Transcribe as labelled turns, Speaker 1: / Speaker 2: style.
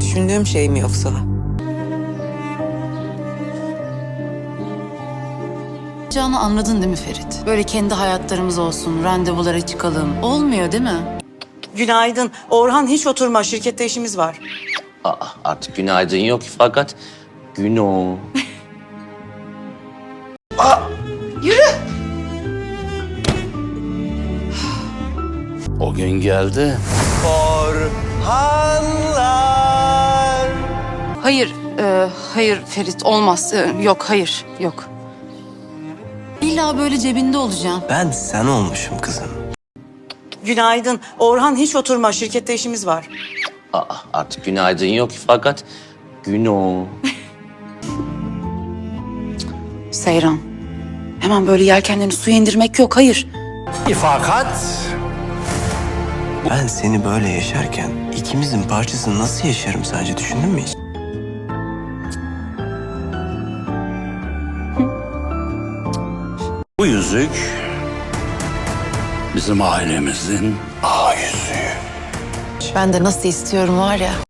Speaker 1: düşündüğüm şey mi yoksa?
Speaker 2: Canı anladın değil mi Ferit? Böyle kendi hayatlarımız olsun, randevulara çıkalım. Olmuyor değil mi?
Speaker 1: Günaydın. Orhan hiç oturma. Şirkette işimiz var.
Speaker 3: Aa, artık günaydın yok fakat güno.
Speaker 4: O gün geldi.
Speaker 2: Hayır Ferit olmaz. Yok, hayır, yok. İlla böyle cebinde olacağım.
Speaker 5: Ben sen olmuşum kızım.
Speaker 1: Günaydın. Orhan hiç oturma. Şirkette işimiz var.
Speaker 3: Aa, artık günaydın yok fakat güno.
Speaker 2: Seyran, hemen böyle yelkenlerini suya indirmek yok, hayır.
Speaker 4: Fakat
Speaker 5: Ben seni böyle yaşarken ikimizin parçasını nasıl yaşarım sence, düşündün mü hiç?
Speaker 4: bu yüzük bizim ailemizin A yüzüğü.
Speaker 2: Ben de nasıl istiyorum var ya.